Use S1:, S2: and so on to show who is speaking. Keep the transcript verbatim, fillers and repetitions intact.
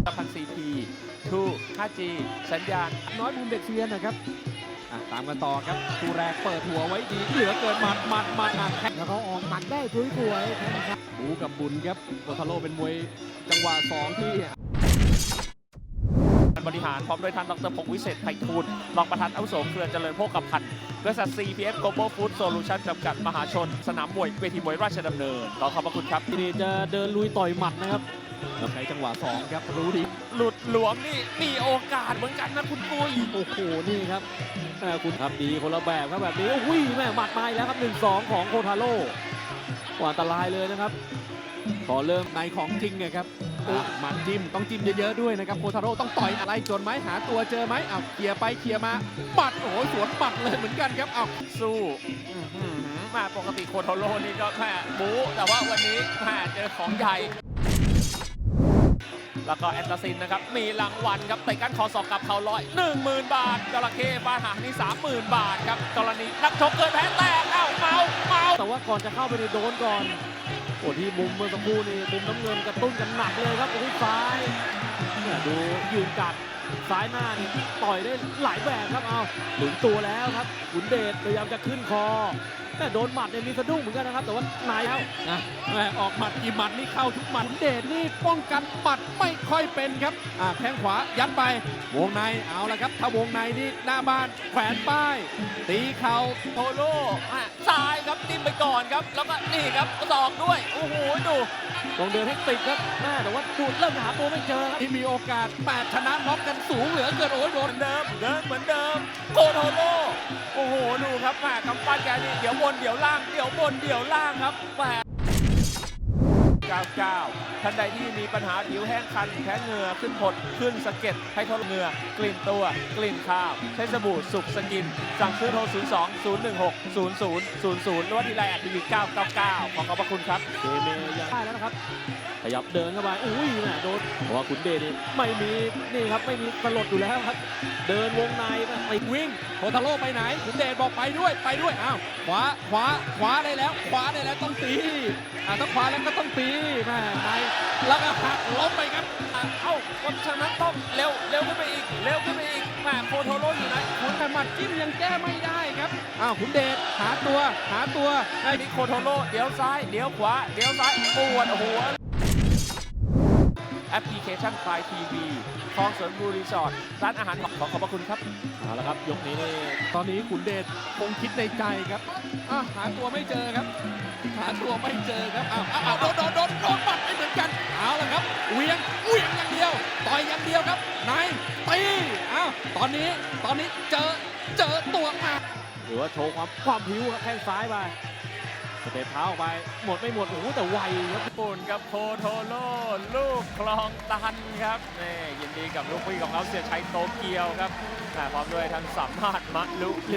S1: ตะพัน ซี พี ทู ห้า จี สัญญาณ
S2: น้อยมุมเด็กเซียนนะครับตามกันต่อครับคู่แรกเปิดหัวไว้ดีเหลือเกินหมัดหมัดหมัดแข้งแล้วเขาออกหมัดได้สวยๆครับบูกับบุญครับโคทาโร่เป็นมวยจังหวะสองที่
S1: บริหารพร้อมโดยท่านดรพงศ์วิเศษไพฑูรย์รองประธานอาวุโสเครือเจริญโภคภัณฑ์บริษัท ซี พี เอฟ Global Food Solution จำกัดมหาชนสนามมวยเวทีมวยราชดำเนินขอขอบพระคุณครับ
S2: ทีนี้จะเดินลุยต่อยหมัดนะครับเราใช้จังหวะสองครับรู้ดี
S1: หลุดหลวมนี่มีโอกาสเหมือนกันนะคุณปุ้ย
S2: โอ้โหนี่ครับคุณครับดีคนละแบบครับแบบนี้อุ้ยแม่หมัดมาแล้วครับ หนึ่งสอง ของโคทาโร่อันตรายเลยนะครับพอเริ่มในของจริงเนี่ยครับหมัดจิ้มต้องจิ้มเยอะๆด้วยนะครับโคทาโร่ต้องต่อยอะไรจนไหมหาตัวเจอไหมเอาเคลียร์ไปเคลียร์มาปัดโอ้โหสวนปัดเลยเหมือนกันครับเอา
S1: สู้มาปกติโคทาโร่นี่ก็แค่บู๊แต่ว่าวันนี้แม่เจอของใหญ่แล้วก็แอนตาซินนะครับมีรางวัลครับเตะก้านคอศอกกับเข่าลอย หนึ่งหมื่น บาทจระเข้ฟาดหางนี่ สามหมื่น บาทครับกรณีนักชกเกิดแพ้แตกเอ้าเมาเมา
S2: แต่ว่าก่อนจะเข้าไปในโดนก่อนโอ้ที่มุมเมื่อสักครู่นี่มุมน้ำเงินกระตุ้นกันหนักเลยครับโอ้ยซ้ายเนี่ยดูยืนกัดซ้ายหน้านี่ต่อยได้หลายแบบครับเอาถึงตัวแล้วครับขุนเดชพยายามจะขึ้นคอแต่โดนหมัดเนี่ยมีสะดุ้งเหมือนกันนะครับแต่ว่านายแล้วนะแม่ออกหมัดกี่หมัดนี่เข้าทุกหมัดขุนเดชนี่ป้องกันหมัดไม่ค่อยเป็นครับอ่าแข้งขวายัดไปวงในเอาละครับถ้าวงในนี่หน้าบ้านแขวนป้ายตีเข่า
S1: โทโร่ซ้ายครับจิ้มไปก่อนครับแล้วก็นี่ครับศอกด้วยโอ้โหดู
S2: ลงเดินให้ติดครับแม่แต่ว่าดูเริ่มหาตัวไม่เจอครับที่มีโอกาสแปดชนะน็อกกันสูงเหลือเกินโอ้ยโดน
S1: เดิมเดินเหมือนเดิมโคโทโร่โอ้โหดูครับแม่กำปั้นแกนี่เดี๋ยวบนเดี๋ยวล่างเดี๋ยวบนเดี๋ยวล่างครับแม่เก้าเก้าท่านใดที่มีปัญหาผิวแห้งคันแพ้เหงื่อขึ้นผดขึ้นสะเก็ดให้ทนเหงื่อกลิ่นตัวกลิ่นข้าวใช้สบู่สุกสกินสั่งซื้อโทร ศูนย์ สอง ศูนย์ หนึ่ง หก ศูนย์ ศูนย์ ศูนย์ ศูนย์ หรือว่าที่ไลน์แอดทีวีเก้าเก้าเก้าขอขอบพระคุณครับ
S2: เดเมยังได้แล้วนะครับขยับเดินเข้าไปอุ้ยน่ะโดนเพราะว่าขุนเดชนี่ไม่มีนี่ครับไม่มีสลดอยู่แล้วครับเดินวงในไปวิ่งโคทาโร่ไปไหนขุนเดชบอกไปด้วยไปด้วยอ้าวขวาขวาขวาได้แล้วขวาได้แล้วต้องตีอ่าถ้าขวาแล้วก็ต้องตีแม่ในแล้วก็หักล้มไปครับ
S1: เอ้าเพราะฉะนั้นต้องเร็วเร็วขึ้นไปอีกเร็วขึ้นไปอีกแม่โคโทโร่อยู่ไหน
S2: ขุนแต่หมัดจิ้มยังแก้ไม่ได้ครับอ้าวขุนเดชหาตัวหาตัว
S1: ไอ้นี่โคโทโร่เดี๋ยวซ้ายเดี๋ยวขวาเดี๋ยวซ้ายปวดหัวแอปพลิเคชันพลายทีวีคลองสวนบูรีสอร์ทร้านอาหารขอขอบพระคุณครับ
S2: เอาละครับยกนี้นี่ตอนนี้ขุนเดชคงคิดในใจครับอ่ะหาตัวไม่เจอครับหาตัวไม่เจอครับอ้าวอ้าวโดนโดนโดนโดนปัดไม่เหมือนกันเอาละครับเวียงเวียงอย่างเดียวต่อยอย่างเดียวครับนายตีอ้าวตอนนี้ตอนนี้เจอเจอตัวมาหรือว่าโชว์ความความผิวครับแข้งซ้ายไปสเตปเท้าออกไปหมดไม่หมดโอ้โหแต่ไวครับ
S1: ญี่ปุ่นกับโคโทโร่ลูกคลองตันครับนี่ยินดีกับลูกพี่ของเราเสียชัยโตเกียวครับพร้อมด้วยท่านสัมภาษณ์มะลุ